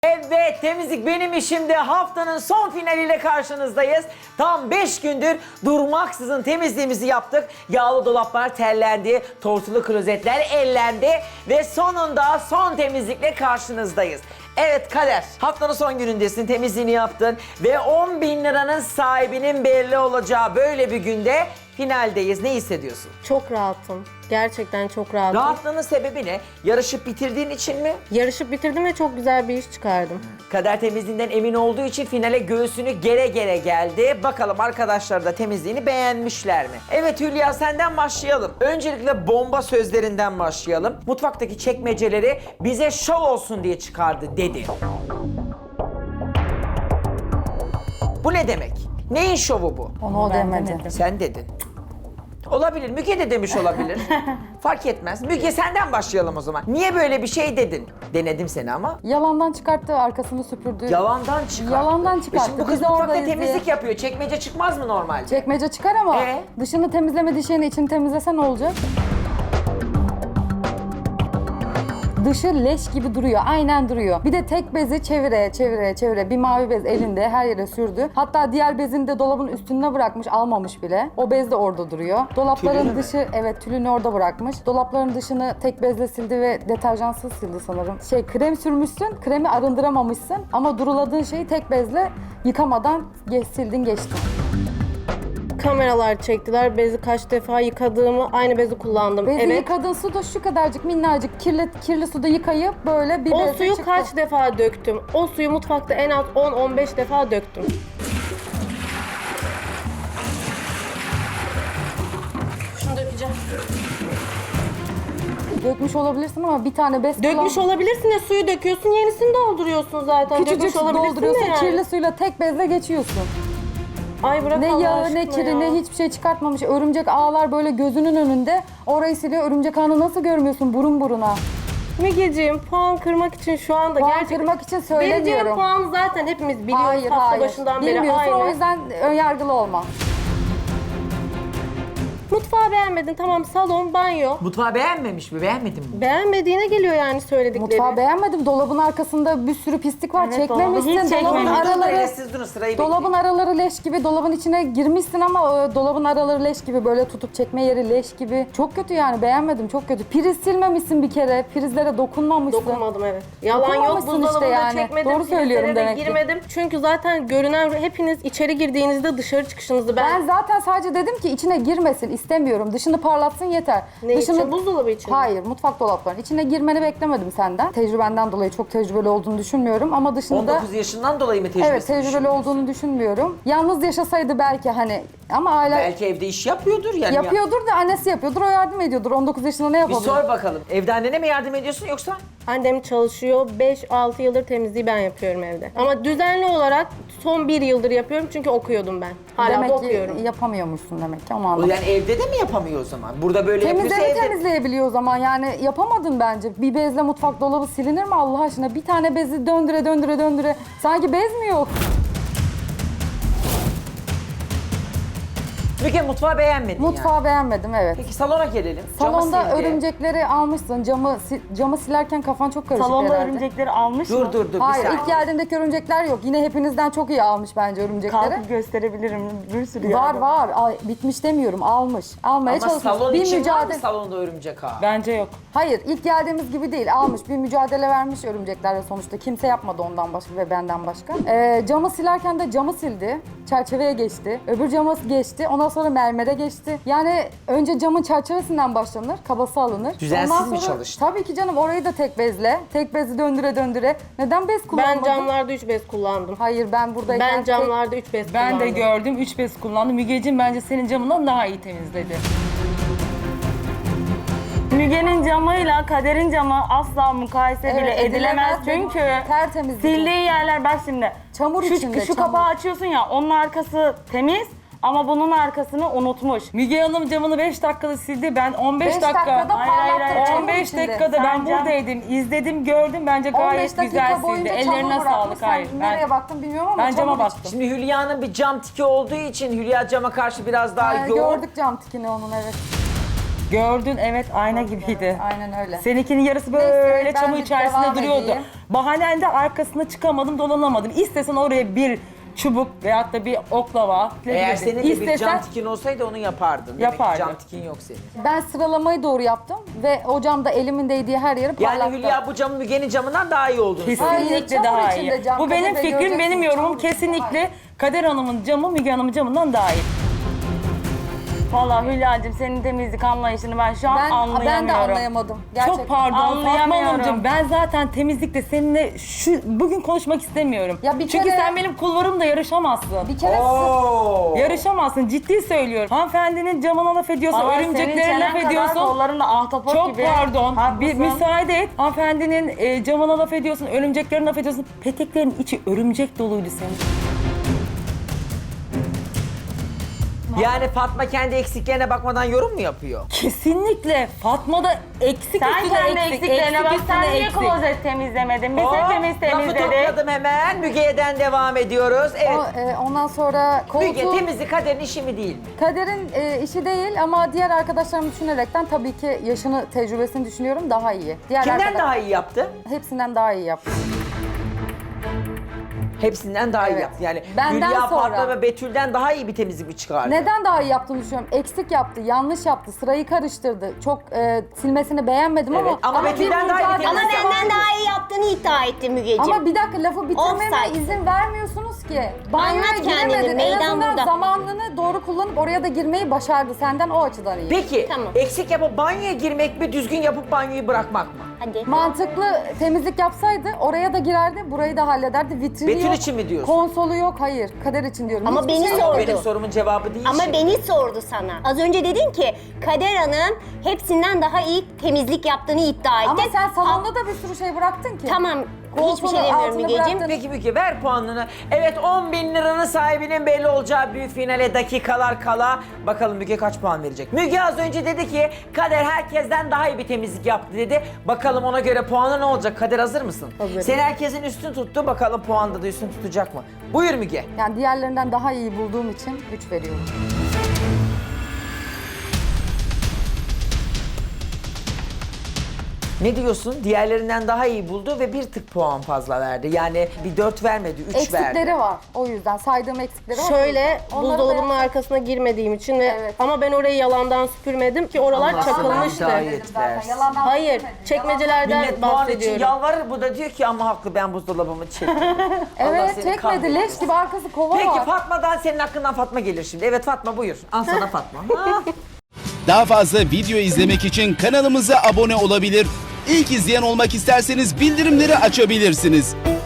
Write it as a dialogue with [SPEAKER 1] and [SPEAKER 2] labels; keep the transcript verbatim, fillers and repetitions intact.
[SPEAKER 1] Evet, temizlik benim işimde haftanın son finaliyle karşınızdayız. Tam beş gündür durmaksızın temizliğimizi yaptık. Yağlı dolaplar terlendi, tortulu klozetler ellendi ve sonunda son temizlikle karşınızdayız. Evet Kader, haftanın son günündesin, temizliğini yaptın ve on bin liranın sahibinin belli olacağı böyle bir günde finaldeyiz. Ne hissediyorsun?
[SPEAKER 2] Çok rahatım. Gerçekten çok rahatım.
[SPEAKER 1] Rahatlığının sebebi ne? Yarışıp bitirdiğin için mi?
[SPEAKER 2] Yarışıp bitirdim ve çok güzel bir iş çıkardım.
[SPEAKER 1] Kader temizliğinden emin olduğu için finale göğsünü gere gere geldi. Bakalım arkadaşlar da temizliğini beğenmişler mi? Evet Hülya, senden başlayalım. Öncelikle bomba sözlerinden başlayalım. Mutfaktaki çekmeceleri bize şov olsun diye çıkardı dedi. Bu ne demek? Neyin şovu bu?
[SPEAKER 3] Onu o demedi.
[SPEAKER 1] Sen dedin. Olabilir. Müge de demiş olabilir. Fark etmez. Müge senden başlayalım o zaman. Niye böyle bir şey dedin? Denedim seni ama.
[SPEAKER 3] Yalandan çıkarttı, arkasını süpürdü.
[SPEAKER 1] Yalandan çıkarttı.
[SPEAKER 3] Yalandan
[SPEAKER 1] E
[SPEAKER 3] çıkarttı.
[SPEAKER 1] Şimdi bu kız
[SPEAKER 3] Biz
[SPEAKER 1] mutfakta
[SPEAKER 3] oradayız
[SPEAKER 1] temizlik
[SPEAKER 3] diye.
[SPEAKER 1] yapıyor. Çekmece çıkmaz mı normalde?
[SPEAKER 3] Çekmece çıkar ama
[SPEAKER 1] Ee?
[SPEAKER 3] dışını temizlemediği şeyin içini temizlese ne olacak? Dışı leş gibi duruyor, aynen duruyor. Bir de tek bezi çevire, çevire, çevire. Bir mavi bez elinde her yere sürdü. Hatta diğer bezini de dolabın üstüne bırakmış, almamış bile. O bez de orada duruyor. Dolapların
[SPEAKER 1] Tülünü mü?
[SPEAKER 3] dışı, evet tülünü orada bırakmış. Dolapların dışını tek bezle sildi ve deterjansız sildi sanırım. Şey, krem sürmüşsün, kremi arındıramamışsın ama duruladığın şeyi tek bezle yıkamadan geç, sildin geçtin.
[SPEAKER 2] Kameralar çektiler. Bezi kaç defa yıkadığımı, aynı bezi kullandım.
[SPEAKER 3] Bezi
[SPEAKER 2] evet.
[SPEAKER 3] yıkadığın su da şu kadarcık minnacık kirli, kirli suda yıkayıp böyle bir
[SPEAKER 2] O
[SPEAKER 3] bezle
[SPEAKER 2] suyu
[SPEAKER 3] çıktı.
[SPEAKER 2] kaç defa döktüm? O suyu mutfakta en az on on beş defa döktüm. Şunu dökeceğim.
[SPEAKER 3] Dökmüş olabilirsin ama bir tane bez
[SPEAKER 2] Dökmüş
[SPEAKER 3] kullan-
[SPEAKER 2] olabilirsin ya, suyu döküyorsun, yenisini dolduruyorsun zaten.
[SPEAKER 3] Küçücük
[SPEAKER 2] Dökmüş olabilirsin
[SPEAKER 3] dolduruyorsun,
[SPEAKER 2] de yani.
[SPEAKER 3] kirli suyla tek bezle geçiyorsun.
[SPEAKER 2] Ay bırak
[SPEAKER 3] Ne
[SPEAKER 2] Allah
[SPEAKER 3] yağı,
[SPEAKER 2] aşkına
[SPEAKER 3] ne kiri,
[SPEAKER 2] ya.
[SPEAKER 3] ne hiçbir şey çıkartmamış. Örümcek ağlar böyle gözünün önünde. Orayı siliyor. Örümcek ağını nasıl görmüyorsun burun buruna?
[SPEAKER 2] Mügeciğim, puan kırmak için şu anda
[SPEAKER 3] Puan
[SPEAKER 2] gerçekten...
[SPEAKER 3] kırmak için
[SPEAKER 2] Vereceğim
[SPEAKER 3] söylemiyorum.
[SPEAKER 2] puanı zaten hepimiz biliyoruz
[SPEAKER 3] Hayır,
[SPEAKER 2] hafta
[SPEAKER 3] hayır.
[SPEAKER 2] başından beri
[SPEAKER 3] Bilmiyorsun,
[SPEAKER 2] aynı.
[SPEAKER 3] o yüzden önyargılı olma.
[SPEAKER 2] Mutfağı beğenmedin, tamam, salon, banyo.
[SPEAKER 1] Mutfağı beğenmemiş mi? Beğenmedin mi?
[SPEAKER 2] Beğenmediğine geliyor yani söyledikleri.
[SPEAKER 3] Mutfağı beğenmedim. Dolabın arkasında bir sürü pislik var.
[SPEAKER 2] Evet,
[SPEAKER 3] Çekmemişsin.
[SPEAKER 2] dolabı hiç
[SPEAKER 3] Dolabın
[SPEAKER 2] çekmedim.
[SPEAKER 3] araları...
[SPEAKER 1] Araları... Siz durun, sırayı
[SPEAKER 3] Dolabın
[SPEAKER 1] bekleyin.
[SPEAKER 3] araları leş gibi, dolabın içine girmişsin ama o dolabın araları leş gibi, böyle tutup çekme yeri leş gibi. Çok kötü yani, beğenmedim, çok kötü. Priz silmemişsin bir kere, prizlere dokunmamışsın.
[SPEAKER 2] Dokunmadım, evet. Yalan yok,
[SPEAKER 3] Dokunmamışsın işte
[SPEAKER 2] buzdolabında
[SPEAKER 3] yani.
[SPEAKER 2] çekmedim.
[SPEAKER 3] Doğru söylüyorum
[SPEAKER 2] filtrelere de
[SPEAKER 3] demek ki.
[SPEAKER 2] girmedim. Çünkü zaten görünen, hepiniz içeri girdiğinizde dışarı çıkışınızı ben...
[SPEAKER 3] Ben zaten sadece dedim ki içine girmesin, istemiyorum. Dışını parlatsın yeter.
[SPEAKER 2] Ne
[SPEAKER 3] Dışını...
[SPEAKER 2] için? Buzdolabı için mi?
[SPEAKER 3] Hayır, mutfak dolaplarının içine girmeni beklemedim senden. Tecrübenden dolayı çok tecrübeli olduğunu düşünmüyorum ama dışında...
[SPEAKER 1] on dokuz yaşından dolayı mı tecrübesi?
[SPEAKER 3] Evet, tecrübeli olduğunu düşünmüyorum. Yalnız yaşasaydı belki hani, ama aile
[SPEAKER 1] Belki evde iş yapıyordur yani.
[SPEAKER 3] yapıyordur da annesi yapıyordur, o yardım ediyordur. on dokuz yaşında ne
[SPEAKER 1] Bir
[SPEAKER 3] yapabilir?
[SPEAKER 1] sor bakalım. Evde annene mi yardım ediyorsun yoksa?
[SPEAKER 2] Annem çalışıyor. beş altı yıldır temizliği ben yapıyorum evde. Ama düzenli olarak son bir yıldır yapıyorum çünkü okuyordum ben. Hala
[SPEAKER 3] Demek
[SPEAKER 2] da
[SPEAKER 3] ki
[SPEAKER 2] okuyorum.
[SPEAKER 3] yapamıyormuşsun demek ki, onu
[SPEAKER 1] O
[SPEAKER 3] anladım.
[SPEAKER 1] yani evde de mi yapamıyor o zaman? Burada böyle yapıyorsa
[SPEAKER 3] Temizleri
[SPEAKER 1] evde...
[SPEAKER 3] temizleyebiliyor o zaman, yani yapamadın bence. Bir bezle mutfak dolabı silinir mi Allah aşkına? Bir tane bezi döndüre döndüre döndüre. Sanki bez mi yok?
[SPEAKER 1] Müge mutfağı beğenmedin
[SPEAKER 3] Mutfağı
[SPEAKER 1] yani.
[SPEAKER 3] beğenmedim, evet.
[SPEAKER 1] Peki salona gelelim. Camı
[SPEAKER 3] Salonda
[SPEAKER 1] sildi.
[SPEAKER 3] örümcekleri almışsın. Camı si- camı silerken kafan çok karışık
[SPEAKER 4] Salonda
[SPEAKER 3] herhalde.
[SPEAKER 4] örümcekleri almış
[SPEAKER 1] Dur
[SPEAKER 4] mı?
[SPEAKER 1] dur dur bir
[SPEAKER 3] Hayır,
[SPEAKER 1] saniye.
[SPEAKER 3] ilk geldiğindeki örümcekler yok. Yine hepinizden çok iyi almış bence örümcekleri.
[SPEAKER 4] Kalkıp gösterebilirim. Bir sürü
[SPEAKER 3] Var
[SPEAKER 4] yerde.
[SPEAKER 3] var. Ay, bitmiş demiyorum. Almış. Almaya
[SPEAKER 1] Ama
[SPEAKER 3] çalışmış.
[SPEAKER 1] salon
[SPEAKER 3] Bir
[SPEAKER 1] için var mı
[SPEAKER 3] mücadele.
[SPEAKER 1] salonda örümcek ağı?
[SPEAKER 4] Bence yok.
[SPEAKER 3] Hayır, ilk geldiğimiz gibi değil. Almış. Bir mücadele vermiş örümceklerle sonuçta. Kimse yapmadı ondan başka ve benden başka. Ee, camı silerken de camı sildi. Çerçeveye geçti. Öbür cama geçti. Ondan sonra mermere geçti. Yani önce camın çerçevesinden başlanır. Kabası alınır.
[SPEAKER 1] Düzensiz
[SPEAKER 3] Ondan
[SPEAKER 1] mi
[SPEAKER 3] sonra-
[SPEAKER 1] çalıştı?
[SPEAKER 3] Tabii ki canım, orayı da tek bezle. Tek bezi döndüre döndüre. Neden bez
[SPEAKER 2] Ben
[SPEAKER 3] kullanmadın?
[SPEAKER 2] camlarda üç bez kullandım.
[SPEAKER 3] Hayır, ben buradayken
[SPEAKER 2] Ben
[SPEAKER 3] tek-
[SPEAKER 2] camlarda üç bez
[SPEAKER 4] Ben
[SPEAKER 2] kullandım.
[SPEAKER 4] de gördüm. Üç bez kullandım. Mügeciğim bence senin camından daha iyi temizledi. Müge'nin camıyla Kader'in camı asla mukayese
[SPEAKER 3] Evet,
[SPEAKER 4] bile edilemez.
[SPEAKER 3] edilemez.
[SPEAKER 4] Çünkü
[SPEAKER 3] Tertemiz.
[SPEAKER 4] sildiği yerler, bak şimdi.
[SPEAKER 3] Çamur
[SPEAKER 4] şu,
[SPEAKER 3] içinde,
[SPEAKER 4] Şu
[SPEAKER 3] çamur.
[SPEAKER 4] kapağı açıyorsun ya, onun arkası temiz. Ama bunun arkasını unutmuş. Müge Hanım camını beş dakikada sildi. Ben on beş
[SPEAKER 3] Beş
[SPEAKER 4] dakika.
[SPEAKER 3] dakikada
[SPEAKER 4] Hayır, hayır, hayır.
[SPEAKER 3] parlattı, çamur
[SPEAKER 4] on beş
[SPEAKER 3] içinde.
[SPEAKER 4] dakikada ben Sen cam-
[SPEAKER 3] buradaydım,
[SPEAKER 4] buradaydım. İzledim, gördüm. Bence
[SPEAKER 3] on beş
[SPEAKER 4] gayet
[SPEAKER 3] dakika
[SPEAKER 4] güzel sildi.
[SPEAKER 3] boyunca çamur
[SPEAKER 4] Ellerine
[SPEAKER 3] bırakmış.
[SPEAKER 4] sağlık.
[SPEAKER 3] Sen
[SPEAKER 4] Hayır.
[SPEAKER 3] nereye
[SPEAKER 4] Ben,
[SPEAKER 3] baktın bilmiyorum ama
[SPEAKER 4] ben cama
[SPEAKER 3] çamur
[SPEAKER 4] baktım.
[SPEAKER 1] Şimdi Hülya'nın bir cam tiki olduğu için Hülya cama karşı biraz daha
[SPEAKER 3] Ha,
[SPEAKER 1] yoğun.
[SPEAKER 3] gördük cam tikini onun, evet.
[SPEAKER 4] Gördün, evet, ayna gibiydi.
[SPEAKER 3] Aynen öyle.
[SPEAKER 4] Seninkinin yarısı
[SPEAKER 3] Neyse,
[SPEAKER 4] böyle
[SPEAKER 3] ben
[SPEAKER 4] çamur
[SPEAKER 3] bir
[SPEAKER 4] içerisinde
[SPEAKER 3] devam
[SPEAKER 4] duruyordu.
[SPEAKER 3] edeyim.
[SPEAKER 4] Bahanen de arkasına çıkamadım, dolanamadım. İstesen oraya bir çubuk veyahut da bir oklava.
[SPEAKER 1] Eğer senin de bir
[SPEAKER 4] İstesen-
[SPEAKER 1] cam tikin olsaydı onu yapardın. Demek ki
[SPEAKER 4] Yapardım.
[SPEAKER 1] cam tikin yok senin.
[SPEAKER 3] Ben sıralamayı doğru yaptım ve o camda elimin değdiği her yeri parlattım.
[SPEAKER 1] Yani Hülya bu camın Müge'nin camından daha iyi olduğunu söylüyor.
[SPEAKER 3] Hayır,
[SPEAKER 4] Kesinlikle
[SPEAKER 3] çamur
[SPEAKER 4] daha
[SPEAKER 3] içinde
[SPEAKER 4] iyi.
[SPEAKER 3] cam,
[SPEAKER 4] Bu benim
[SPEAKER 3] Kadir Bey,
[SPEAKER 4] fikrim, benim
[SPEAKER 3] göreceksiniz,
[SPEAKER 4] yorumum
[SPEAKER 3] çamur içinde.
[SPEAKER 4] kesinlikle Kader Hanım'ın camı Müge Hanım'ın camından daha iyi. Vallahi Hülya'cığım senin temizlik anlayışını ben şu an
[SPEAKER 3] Ben,
[SPEAKER 4] anlayamıyorum.
[SPEAKER 3] ben de anlayamadım. Gerçekten.
[SPEAKER 4] Çok pardon Fatma Anlayamıyorum. Hanımcığım, ben zaten temizlikte seninle şu bugün konuşmak istemiyorum.
[SPEAKER 3] Ya bir
[SPEAKER 4] Çünkü
[SPEAKER 3] kere-
[SPEAKER 4] sen benim kulvarımda yarışamazsın.
[SPEAKER 3] Bir kere
[SPEAKER 1] Oo.
[SPEAKER 4] Yarışamazsın, ciddi söylüyorum. Hanımefendinin camına laf ediyorsun,
[SPEAKER 2] Ama
[SPEAKER 4] örümceklere
[SPEAKER 2] senin
[SPEAKER 4] laf
[SPEAKER 2] çenen kadar
[SPEAKER 4] ediyorsun.
[SPEAKER 2] kollarında ahtapot
[SPEAKER 4] Çok
[SPEAKER 2] gibi.
[SPEAKER 4] pardon,
[SPEAKER 2] Haklısın.
[SPEAKER 4] bir müsaade et. Hanımefendinin e, camına laf ediyorsun, örümceklerine laf ediyorsun. Peteklerin içi örümcek doluydu senin.
[SPEAKER 1] Yani Fatma kendi eksiklerine bakmadan yorum mu yapıyor?
[SPEAKER 4] Kesinlikle. Fatma da eksik
[SPEAKER 2] Sen
[SPEAKER 4] üstüne
[SPEAKER 2] kendi
[SPEAKER 4] eksik,
[SPEAKER 2] eksiklerine
[SPEAKER 4] eksik
[SPEAKER 2] bak.
[SPEAKER 4] üstüne
[SPEAKER 2] Sen niye
[SPEAKER 4] eksik.
[SPEAKER 2] klozet temizlemedin? Biz
[SPEAKER 1] Hop,
[SPEAKER 2] hepimiz
[SPEAKER 1] lafı
[SPEAKER 2] temizledik.
[SPEAKER 1] topladım hemen. Müge'den devam ediyoruz. Evet.
[SPEAKER 3] O, e, ondan sonra
[SPEAKER 1] Müge
[SPEAKER 3] koltuğun
[SPEAKER 1] temizlik Kader'in işi mi değil mi?
[SPEAKER 3] Kader'in e, işi değil ama diğer arkadaşlarımı düşünerekten tabii ki yaşını, tecrübesini düşünüyorum daha iyi. Diğer
[SPEAKER 1] Kimden
[SPEAKER 3] arkadaş-
[SPEAKER 1] daha iyi yaptı?
[SPEAKER 3] Hepsinden daha iyi yaptı.
[SPEAKER 1] Hepsinden daha iyi
[SPEAKER 3] Evet.
[SPEAKER 1] yaptı. Yani
[SPEAKER 3] Benden
[SPEAKER 1] Hülya,
[SPEAKER 3] sonra.
[SPEAKER 1] Fatma ve Betül'den daha iyi bir temizlik mi çıkardı?
[SPEAKER 3] Neden daha iyi yaptığını düşünüyorum? Eksik yaptı, yanlış yaptı, sırayı karıştırdı. Çok e, silmesini beğenmedim
[SPEAKER 1] Evet,
[SPEAKER 3] ama...
[SPEAKER 1] ama Betül'den
[SPEAKER 3] bir
[SPEAKER 1] daha iyi
[SPEAKER 3] mücadelesi
[SPEAKER 5] Ama
[SPEAKER 1] temizlik
[SPEAKER 3] var.
[SPEAKER 5] benden daha iyi yaptığını iddia etti Mügeciğim.
[SPEAKER 3] Ama bir dakika lafı bitirmeme
[SPEAKER 5] Offside.
[SPEAKER 3] izin vermiyorsunuz ki. Banyoya
[SPEAKER 5] Anlat kendini,
[SPEAKER 3] giremedin. En
[SPEAKER 5] meydan
[SPEAKER 3] azından
[SPEAKER 5] burada.
[SPEAKER 3] zamanını doğru kullanıp oraya da girmeyi başardı. Senden o açıdan iyi.
[SPEAKER 1] Peki
[SPEAKER 5] Tamam.
[SPEAKER 1] eksik yapıp banyoya girmek mi, düzgün yapıp banyoyu bırakmak mı?
[SPEAKER 5] Hadi.
[SPEAKER 3] Mantıklı temizlik yapsaydı oraya da girerdi, burayı da hallederdi. Vitrini
[SPEAKER 1] Betül
[SPEAKER 3] yok,
[SPEAKER 1] için mi diyorsun?
[SPEAKER 3] konsolu yok, hayır. Kader için diyorum.
[SPEAKER 5] Ama
[SPEAKER 3] Hiçbir
[SPEAKER 5] beni
[SPEAKER 3] şey
[SPEAKER 5] sor-
[SPEAKER 3] yok.
[SPEAKER 5] Sordu.
[SPEAKER 1] Benim sorumun cevabı değil
[SPEAKER 5] Ama
[SPEAKER 1] şimdi.
[SPEAKER 5] beni sordu sana. Az önce dedin ki Kader Hanım hepsinden daha iyi temizlik yaptığını iddia etti.
[SPEAKER 3] Ama sen salonda da bir sürü şey bıraktın ki.
[SPEAKER 5] Tamam. Hiçbir
[SPEAKER 3] Koltuğun
[SPEAKER 5] şey demiyorum
[SPEAKER 3] altını
[SPEAKER 5] Mügeciğim.
[SPEAKER 3] bıraktın.
[SPEAKER 1] Peki Müge ver puanını. Evet on bin liranın sahibinin belli olacağı büyük finale dakikalar kala. Bakalım Müge kaç puan verecek? Müge az önce dedi ki Kader herkesten daha iyi bir temizlik yaptı dedi. Bakalım ona göre puanı ne olacak? Kader hazır mısın?
[SPEAKER 3] Hazırım.
[SPEAKER 1] Sen herkesin üstün tuttu. Bakalım puanda da üstün tutacak mı? Buyur Müge.
[SPEAKER 3] Yani diğerlerinden daha iyi bulduğum için üç veriyorum.
[SPEAKER 1] Ne diyorsun? Diğerlerinden daha iyi buldu ve bir tık puan fazla verdi. Yani bir dört vermedi, üç
[SPEAKER 3] Eksikleri
[SPEAKER 1] verdi.
[SPEAKER 3] var. O yüzden saydığım eksikleri var.
[SPEAKER 2] Şöyle
[SPEAKER 3] Onları
[SPEAKER 2] buzdolabının
[SPEAKER 3] da-
[SPEAKER 2] arkasına girmediğim için ve
[SPEAKER 3] Evet.
[SPEAKER 2] ama ben orayı yalandan süpürmedim ki oralar
[SPEAKER 1] Allah sana
[SPEAKER 2] çakılmıştı.
[SPEAKER 1] hidayet
[SPEAKER 3] Zaten
[SPEAKER 1] versin.
[SPEAKER 3] yalandan
[SPEAKER 2] Hayır,
[SPEAKER 3] söylemedim.
[SPEAKER 2] çekmecelerden
[SPEAKER 1] Millet puan için
[SPEAKER 2] bahsediyorum.
[SPEAKER 1] yalvarır. Bu da diyor ki ama haklı ben buzdolabımı çektim. Allah
[SPEAKER 3] Evet
[SPEAKER 1] seni
[SPEAKER 3] çekmedi.
[SPEAKER 1] kahretsin.
[SPEAKER 3] Leş gibi arkası kova
[SPEAKER 1] Peki
[SPEAKER 3] var.
[SPEAKER 1] Fatma'dan senin hakkından Fatma gelir şimdi. Evet Fatma buyur. Al sana Fatma. Ha.
[SPEAKER 6] Daha fazla video izlemek için kanalımıza abone olabilir. İlk izleyen olmak isterseniz bildirimleri açabilirsiniz.